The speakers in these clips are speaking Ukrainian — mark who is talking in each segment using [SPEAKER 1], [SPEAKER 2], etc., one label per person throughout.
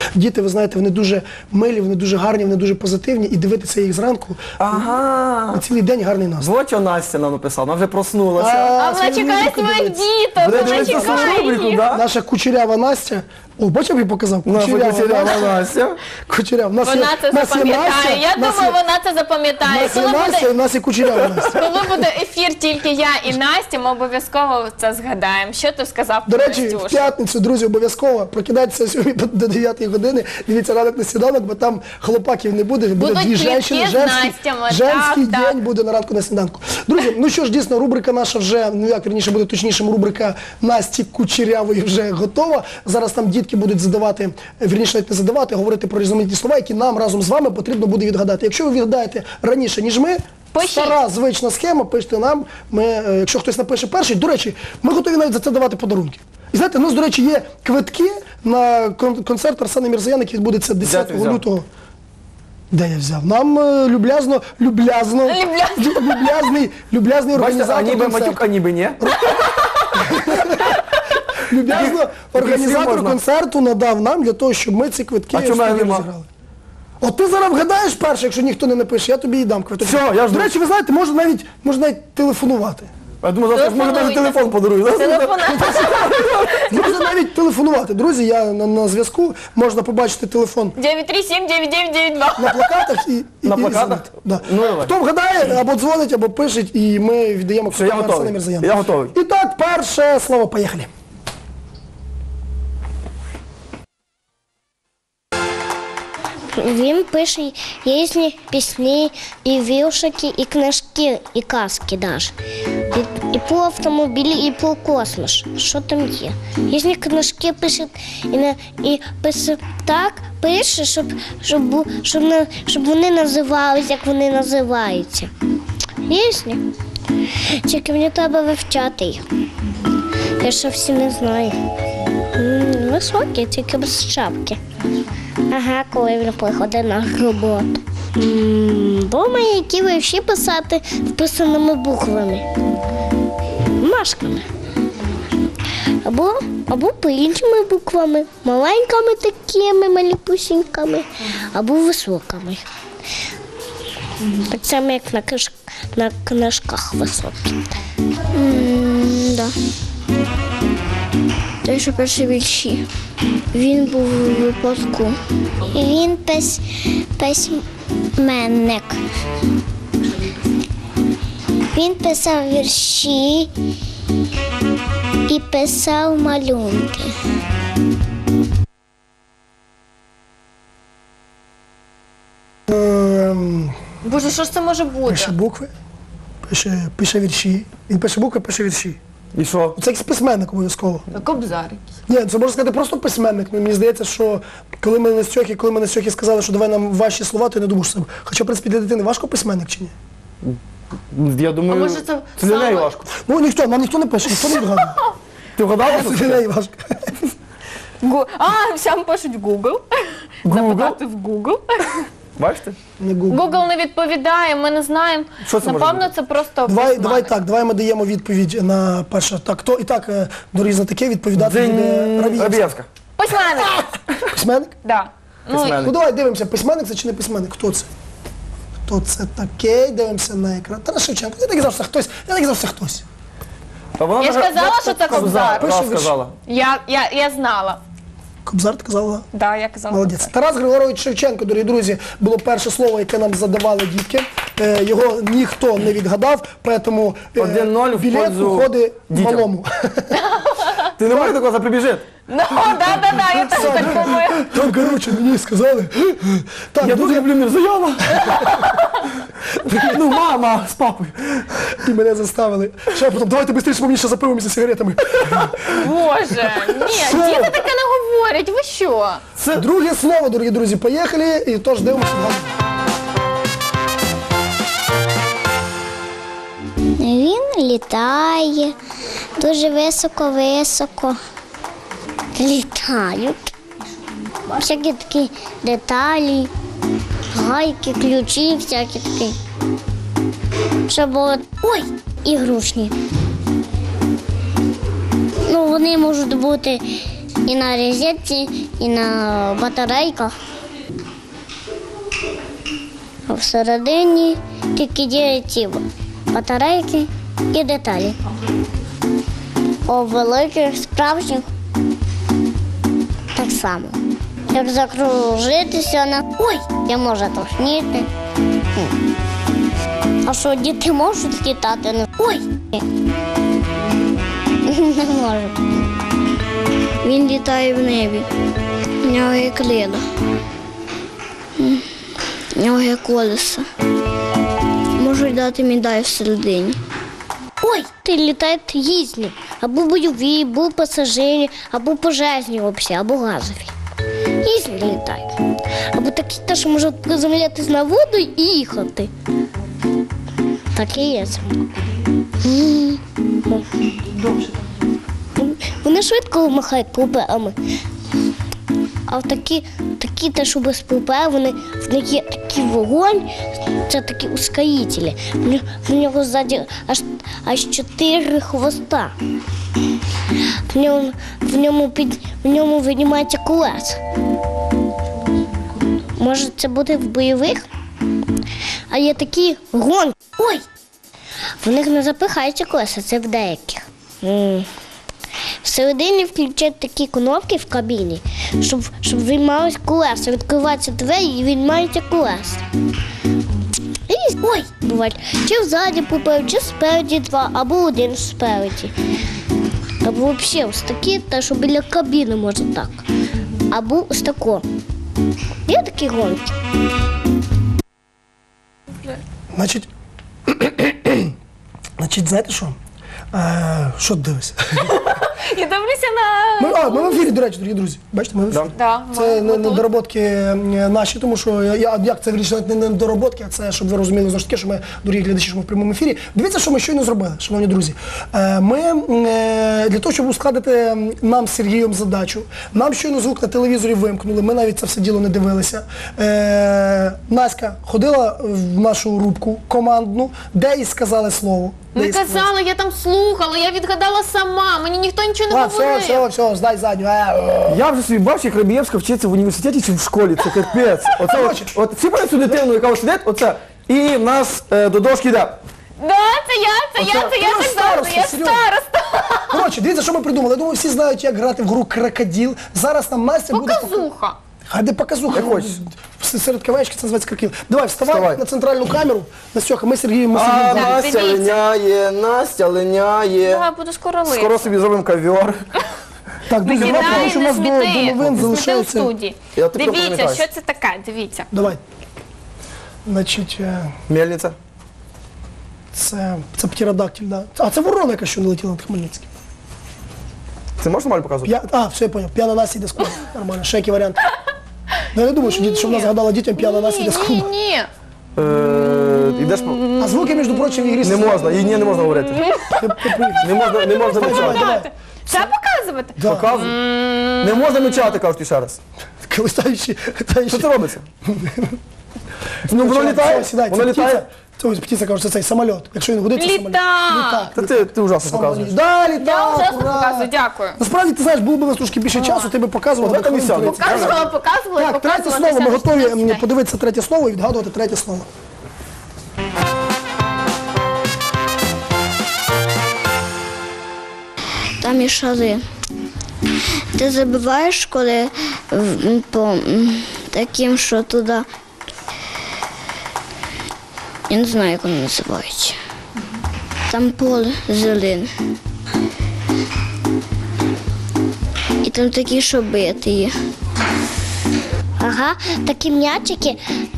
[SPEAKER 1] діти, ви знаєте, вони дуже милі, вони дуже гарні, вони дуже позитивні, і дивитися їх зранку, на цілий день гарний настрій.
[SPEAKER 2] Вот що Настя нам написала, вона вже проснулася.
[SPEAKER 3] А вона чекає своїх діток, вона чекає їх.
[SPEAKER 1] Наша кучерява Настя. О, бачив, я показав?
[SPEAKER 2] Кучерява Настя.
[SPEAKER 1] Кучерява.
[SPEAKER 3] Вона це запам'ятає. Я думаю, вона це запам'ятає.
[SPEAKER 1] У нас є кучерява Настя.
[SPEAKER 3] Коли буде ефір тільки я і Настя, ми обов'язково це згадаємо. Що ти сказав
[SPEAKER 1] До
[SPEAKER 3] про
[SPEAKER 1] речі,
[SPEAKER 3] Настюшу?
[SPEAKER 1] в п'ятницю, друзі, обов'язково прокидайтеся сьогодні до 9 години, дивіться ранок на сніданок, бо там хлопаків не буде, буде дві жінки, женський день буде на ранку на сніданку. Друзі, ну що ж, дійсно, рубрика наша вже, ну як, вірніше буде точнішим, рубрика Насті Кучерявої вже готова. Зараз там дітки будуть задавати, вірніше навіть не задавати, говорити про різноманітні слова, які нам разом з вами потрібно буде відгадати. Якщо ви відгадаєте раніше, ніж ми, стара звична схема, пишіть нам, якщо хтось напише перший. До речі, ми готові навіть за це давати подарунки. І знаєте, у нас, до речі, є квитки на концерт Арсена Мірзояна, який відбудеться 10 лютого. Де я взяв? Нам люб'язний організатор
[SPEAKER 2] ніби матюк, а ніби ні.
[SPEAKER 1] Люб'язно організатор концерту надав нам для того, щоб ми ці квитки розіграли. От ти зараз вгадаєш перше, якщо ніхто не напише, я тобі і дам квиток.
[SPEAKER 2] Все, я жду.
[SPEAKER 1] До речі, ви знаєте, можна навіть телефонувати.
[SPEAKER 2] Я думаю, завтра може навіть телефон подарую.
[SPEAKER 1] Можна навіть телефонувати. Друзі, я на зв'язку, можна побачити телефон
[SPEAKER 3] 937-9992.
[SPEAKER 1] на плакатах і
[SPEAKER 2] на плакатах?
[SPEAKER 1] Да.
[SPEAKER 2] Ну,
[SPEAKER 1] хто вгадає, або дзвонить, або пишуть, і ми віддаємо квиток Арсену Мірзояну.
[SPEAKER 2] Я готовий.
[SPEAKER 1] І так, перше слово, поїхали.
[SPEAKER 4] Він пише різні пісні, і віршики, і книжки, і казки навіть. І про автомобілі, і про космос. Що там є? Різні книжки пише, і пише так, пише, щоб вони називалися, як вони називаються. Різні. Тільки мені треба вивчати їх. Я ще всі не знаю. Високі, тільки без шапки. Ага, коли він приходить на роботу. Думаю, які вірші писати вписаними буквами. Машками. Або по-іншими буквами. Маленькими такими, маліпусіньками. Або високими. Так само, як на книжках високі. Да. Той, що перші вірші. Він був у випадку. Він письменник. Він писав вірші і писав малюнки.
[SPEAKER 3] Боже, що ж це може бути?
[SPEAKER 1] Пише букви, пише вірші. Він пише букви, пише вірші.
[SPEAKER 2] І що?
[SPEAKER 1] Це якийсь письменник обов'язково.
[SPEAKER 3] Кобзар.
[SPEAKER 1] Ні, це можна сказати просто письменник. Мені здається, що коли ми на Стьохі сказали, що давай нам ваші слова, то я не думав, що це. Хоча, в принципі, для дитини важко письменник чи ні?
[SPEAKER 2] Я думаю, це для неї важко.
[SPEAKER 1] Ну, нам ніхто не пише, ніхто не вгадує.
[SPEAKER 2] Ти вгадав?
[SPEAKER 1] Це для неї важко.
[SPEAKER 3] Всім пишуть Google. Запитати в Google.
[SPEAKER 2] Бачите?
[SPEAKER 1] Не Google.
[SPEAKER 3] Google не відповідає, ми не знаємо.
[SPEAKER 2] Що це може
[SPEAKER 3] Напевно,
[SPEAKER 2] бути?
[SPEAKER 3] це просто
[SPEAKER 1] Давай ми даємо відповідь на перше. Так, хто і так, дорогі знатоки, відповідати буде Равієвська.
[SPEAKER 2] Рабієвська.
[SPEAKER 3] Письменник.
[SPEAKER 1] Письменник?
[SPEAKER 3] Да.
[SPEAKER 2] Письменник.
[SPEAKER 1] Ну давай дивимося, письменник це чи не письменник? Хто це? Хто це такий? Дивимося на екран. Тарас Шевченко. Я не казав, що хтось.
[SPEAKER 3] Я ж казала, що це Кобзар.
[SPEAKER 1] Пише вірші.
[SPEAKER 2] Сказала.
[SPEAKER 3] Я знала.
[SPEAKER 1] Кобзар, ти казала?
[SPEAKER 3] Да, я казала.
[SPEAKER 1] Молодець. Тарас Григорович Шевченко, дорогі друзі, було перше слово, яке нам задавали дітки. Його ніхто не відгадав, тому
[SPEAKER 2] 1-0 в
[SPEAKER 1] білет
[SPEAKER 2] пользу
[SPEAKER 1] уходить
[SPEAKER 2] дітям.
[SPEAKER 1] малому.
[SPEAKER 2] Ти не можеш такого заприбіжити?
[SPEAKER 3] Ну, да, я теж так думаю.
[SPEAKER 1] Там, коротше, мені сказали. Так,
[SPEAKER 2] Я дуже люблю Мірзояна. Ну, мама з папою.
[SPEAKER 1] І мене заставили. Ще потім, давайте швидше, бо мені ще за пивом і за сигаретами.
[SPEAKER 3] Боже, ні, діти таке не говорять, ви що?
[SPEAKER 1] Це друге слово, дорогі друзі, поїхали, і тож дивимося.
[SPEAKER 4] Він літає, дуже високо-високо. Літають. Всякі такі деталі, гайки, ключі, всякі такі. Щоб от... Ой, ігрушні. Ну, вони можуть бути І на розетці, і на батарейках. А всередині тільки є ці батарейки і деталі. У великих, справжніх так само. Як закружитися на ой, я можу тошніти. А що, діти можуть літати? Ой! Не можуть. Він літає в небі. У нього є крила. У нього є колеса. Можуть дати медаль всередині. Ой, ти літають різні. Або бойові, або пасажирі, або пожежні взагалі, або газові. Різні літають. Або такі теж можуть приземлятися на воду і їхати. Так і є. Вони швидко махають пупеами. А такі що без пупе, в них є такий вогонь, це такі ускорителі. В нього ззаді аж 4 хвоста. В ньому винімається колеса. Може це буде в бойових? А є такі гонки. Ой! В них не запихаються колеса, це в деяких. Всередині включають такі кнопки в кабіні, щоб виймались колеса. Відкриваються двері і виймаються колеса. Ой! Бувають, чи взаді попереду, чи спереді два, або один спереді. Або взагалі ось такі, та що біля кабіни може так. Або ось тако. Є такі гонки.
[SPEAKER 1] Значить, знаєте що? Що ти дивишся?
[SPEAKER 3] Я дивлюся на...
[SPEAKER 1] Ми в ефірі, до речі, дорогі друзі. Бачите, ми в ефірі.
[SPEAKER 3] Да,
[SPEAKER 1] Це не недороботки наші, тому що, як це вирішено, не недороботки, а це, щоб ви розуміли, знову ж таки, що ми, дорогі глядачі, що ми в прямому ефірі. Дивіться, що ми щойно зробили, шановні друзі. Ми, для того, щоб ускладити нам з Сергієм задачу, нам щойно звук на телевізорі вимкнули, ми навіть це все діло не дивилися. Наська ходила в нашу рубку командну, де їй сказали слово.
[SPEAKER 3] Не казала, я там слухала, я відгадала сама, мені ніхто нічого не говорив.
[SPEAKER 1] Все, здай задню.
[SPEAKER 2] Я вже собі бачу, як Рабієвська вчиться в університеті чи в школі, це капець. От всі бачать цю дитину, яка ось сидить, оце, і в нас до дошки йде.
[SPEAKER 3] Да, це я так завжди, я староста.
[SPEAKER 1] Коротше, дивіться, що ми придумали. Я думаю, всі знають, як грати в гру «Крокодил». Зараз нам Настя буде...
[SPEAKER 3] Показуха.
[SPEAKER 1] Хай де показуха. Серед кавечки це називається «Крокодил». Давай, вставай на центральну камеру. Настюха, ми з Сергієм
[SPEAKER 2] Настя линяє, Настя линяє.
[SPEAKER 3] Давай, буду скоро лити.
[SPEAKER 2] Скоро собі зробимо ковер.
[SPEAKER 1] Так, друзі, тому що у нас до новин залишається...
[SPEAKER 3] Дивіться, що це таке, дивіться.
[SPEAKER 1] Давай. Значить...
[SPEAKER 2] Мельниця.
[SPEAKER 1] Це птеродактиль, так. А, це ворона, яка що не летіла над Хмельницьким.
[SPEAKER 2] Це можна нормально показувати?
[SPEAKER 1] Все, я понял. П'яна Настя йде з клубу. Нормально, ще який варіант. Ну, я не думаю, що вона згадала дітям п'яна Настя йде з клубу.
[SPEAKER 3] Ні.
[SPEAKER 2] Ідеш...
[SPEAKER 1] А звуки, між прочим, в ігрі...
[SPEAKER 2] Не можна, їй не можна говорити. Не можна мечати.
[SPEAKER 3] Це показувати?
[SPEAKER 2] Показуй. Не можна мечати, кажуть ще раз.
[SPEAKER 1] Колисаючи...
[SPEAKER 2] Що це робиться? Ну, воно літає? Воно літає?
[SPEAKER 1] Це птиця каже, це цей самоліт. Якщо він гудить, це самоліт.
[SPEAKER 3] Літак!
[SPEAKER 2] Ти ужасно показуєш.
[SPEAKER 1] Да,
[SPEAKER 3] Я
[SPEAKER 1] літак,
[SPEAKER 3] ужасно
[SPEAKER 1] ура!
[SPEAKER 3] показую, дякую.
[SPEAKER 1] Насправді, ти знаєш, було б у нас трошки більше часу, ти би показував.
[SPEAKER 2] От це місця.
[SPEAKER 3] Показувала.
[SPEAKER 1] Так, третє слово. Ми готові подивитися третє слово і відгадувати третє слово.
[SPEAKER 4] Там є шари. Ти забиваєш, коли по таким, що туди. Я не знаю, як воно називається. Там поле зелене. І там такі, що бити є. Ага, такі м'ячики.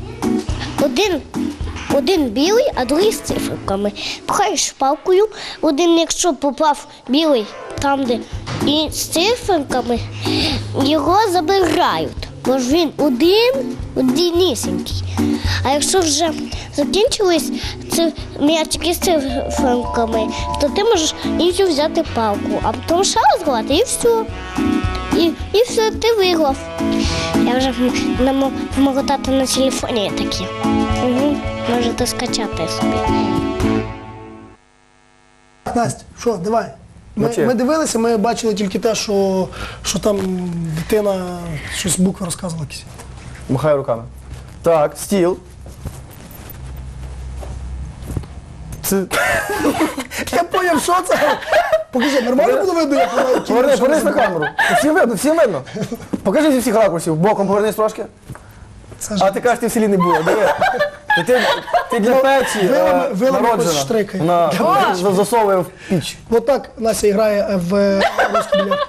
[SPEAKER 4] Один білий, а другий з циферками. Пхаєш палкою, один, якщо попав білий там, де і з циферками, його забирають. Бо ж він одинісінький. А якщо вже закінчились м'ячики з циферками, то ти можеш іншу взяти палку, а потім ще раз грати і все. І все, ти виграв. Я вже в мого тата на телефоні є такі. Можете скачати собі.
[SPEAKER 1] Настя, що, давай. Ми дивилися, ми бачили тільки те, що там дитина щось букви розказувала якісь.
[SPEAKER 2] Махаю руками. Так, стіл. Це...
[SPEAKER 1] Я поняв, що це? Покажи, нормально було видно, як вона...
[SPEAKER 2] Повернись на камеру. Всім видно. Покажи зі всіх ракурсів. Боком повернись трошки. А ти кажеш, ти в селі не була. Диви. Ти для печі
[SPEAKER 1] вилами штрикає.
[SPEAKER 2] Вона засовує в піч.
[SPEAKER 1] Вот так Настя грає в русский бильярд.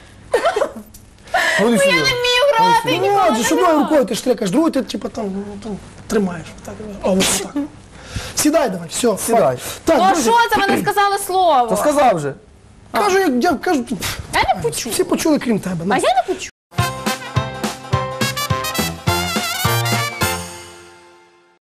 [SPEAKER 2] Ходи сюди.
[SPEAKER 3] Я не вмію грати,
[SPEAKER 1] Ну, отже, ж одною рукою ти штрикаєш, другою ти типу там тримаєш. Так, ось так. Сідай давай, все.
[SPEAKER 2] Сідай.
[SPEAKER 1] Так,
[SPEAKER 3] Ну
[SPEAKER 1] друзі,
[SPEAKER 3] що це, ви не сказали
[SPEAKER 2] То
[SPEAKER 3] слово?
[SPEAKER 2] сказав же.
[SPEAKER 1] кажу, я кажу,
[SPEAKER 3] Я не почув.
[SPEAKER 1] всі почули, крім тебе.
[SPEAKER 3] А я не почув.